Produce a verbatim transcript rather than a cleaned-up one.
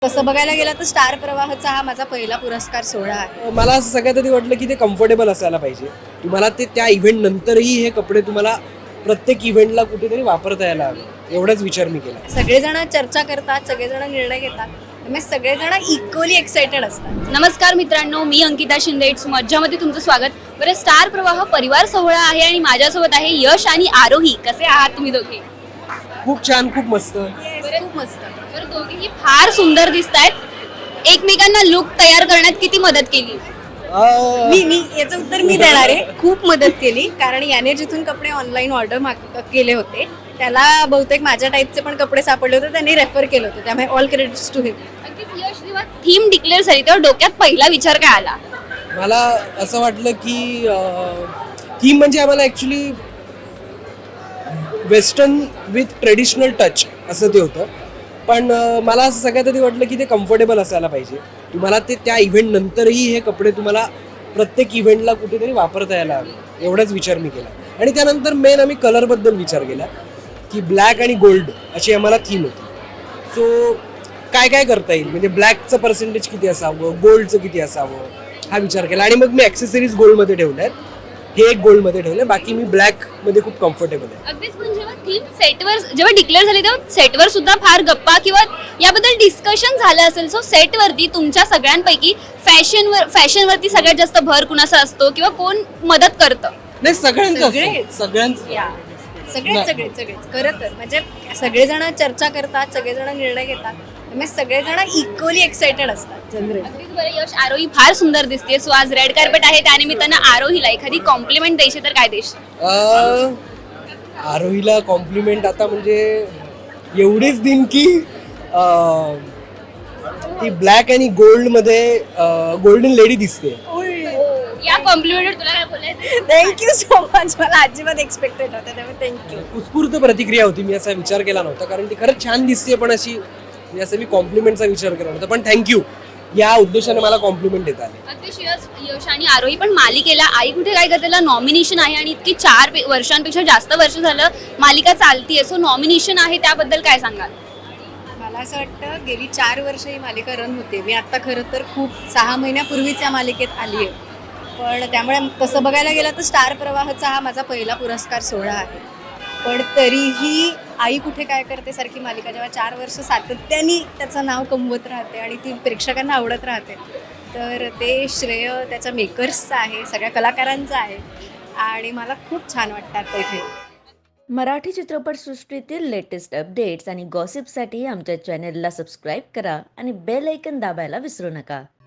तसं बघायला गेलं तर स्टार प्रवाहचा हा माझा पहिला पुरस्कार सोहळा आहे. मला असं सगळ्यात आधी वाटलं की ते कम्फर्टेबल असायला पाहिजे. तुम्हाला ते त्या इव्हेंट नंतरही हे कपडे तुम्हाला प्रत्येक इव्हेंटला कुठेतरी वापरता यायला हवे, एवढाच विचार मी केला. सगळेजण चर्चा करतात, सगळेजण निर्णय घेतात, त्यामुळे सगळेजण इक्वली एक्साइटेड असतात. नमस्कार मित्रांनो, मी अंकिता शिंदे. इट्स मज्जामध्ये तुमचं स्वागत. बरं, स्टार प्रवाह परिवार सोहळा आहे आणि माझ्यासोबत आहे यश आणि आरोही. कसे आहात तुम्ही दोघे? खूप छान, खूप मस्त. खूप मस्त. बरं, दोघेही फार सुंदर दिसतायत. एकमेकांना लुक तयार करण्यात किती मदत केली? अं, मी मी याचं उत्तर मी देणार आहे. खूप मदत केली, कारण याने जिथून कपडे ऑनलाईन ऑर्डर माग केले होते त्याला बहुतेक माझ्या टाईपचे पण कपडे सापडले होते, त्यांनी रेफर केलं होतं, त्यामुळे ऑल क्रेडिट्स टू हिम. अगदीच यश, जेव्हा थीम डिक्लेअर झाली तेव्हा डोक्यात पहिला विचार काय आला? मला असं वाटलं की थीम म्हणजे आम्हाला actually western with traditional touch असं ते होतं. पण अं, मला असं सगळ्यात आधी वाटलं की ते कम्फर्टेबल असायला पाहिजे. तुम्हाला ते त्या इव्हेंट नंतरही हे कपडे तुम्हाला प्रत्येक इव्हेंटला कुठेतरी वापरता यायला हवे, एवढाच विचार मी केला. आणि त्यानंतर मेन आम्ही कलरबद्दल विचार केला की ब्लॅक आणि गोल्ड अशी आम्हाला थीम होती. सो काय काय करता येईल, म्हणजे ब्लॅकचं पर्सेंटेज किती असावं, गोल्डचं किती असावं, हा विचार केला. आणि मग मी ॲक्सेसरीज गोल्डमध्ये ठेवल्या आहेत, हे एक गोल्डमध्ये ठेवलं, बाकी मी ब्लॅकमध्ये खूप कम्फर्टेबल आहे. अगदीच, पण जेव्हा थीम सेटवर जेव्हा डिक्लेअर झाली तेव्हा सेटवर सुद्धा फार गप्पा किंवा याबद्दल डिस्कशन झालं असेल. सो सेटवरती तुमच्या सगळ्यांपैकी फॅशनवर फॅशनवरती सगळ्यात जास्त भर कुणाचा असतो किंवा कोण मदत करतं? नाही, सगळ्यांचं सगळेच. असतं, सगळ्यांचं. या सगळेच सगळेच सगळेच खरं तर म्हणजे सगळेजण चर्चा करतात, सगळेजण निर्णय घेतात, त्यामुळे सगळेजण इक्वली एक्साइटेड असतात जनरली. अगदीच. बरं यश, आरोही फार सुंदर दिसते. सो आज रेड कार्पेट आहे, त्यानिमित्तानं आरोहीला एखादी कॉम्प्लिमेंट द्यायची तर काय देशील? अं, आरोहीला कॉम्प्लिमेंट आता म्हणजे एवढीच देईन की अं, ती ब्लॅक आणि गोल्डमध्ये गोल्डन लेडी दिसते. या कॉम्प्लिमेंटवर तुला काय बोलायचं? Thank you so much. मला अजिबात एक्सपेक्टेड नव्हतं, त्यामुळे थँक्यू. उत्स्फूर्त प्रतिक्रिया होती, मी असा विचार केला नव्हता, कारण ती खरंच छान दिसते, पण अशी म्हणजे असं मी कॉम्प्लिमेंटचा विचार केला नव्हता. पण थँक्यू, या उद्देशाने मला कॉम्प्लिमेंट देता आले. अगदीच. यश यश आणि आरोही पण मालिकेला आई कुठे काय करतेला नॉमिनेशन आहे आणि इतकी चार पे- वर्षांपेक्षा जास्त वर्ष झालं मालिका चालतीये. सो नॉमिनेशन आहे, त्याबद्दल काय सांगाल? मला असं वाटतं गेली चार वर्ष ही मालिका रन होते. मी आत्ता खरं तर खूप सहा महिन्यापूर्वीच या मालिकेत आली आहे, पण त्यामुळे तसं बघायला गेलं तर स्टार प्रवाहचा हा माझा पहिला पुरस्कार सोहळा आहे. पण तरीही आई कुठे काय करते सारखी मालिका जेव्हा चार वर्ष सातत्याने त्याचं नाव कमवत राहते आणि ती प्रेक्षकांना आवडत राहते, तर ते श्रेय त्याच्या मेकर्सचं आहे, सगळ्या कलाकारांचं आहे, आणि मला खूप छान वाटतात इथे. मराठी चित्रपटसृष्टीतील लेटेस्ट अपडेट्स आणि गॉसिपसाठी आमच्या चॅनेलला सबस्क्राईब करा आणि बेल ऐकन दाबायला विसरू नका.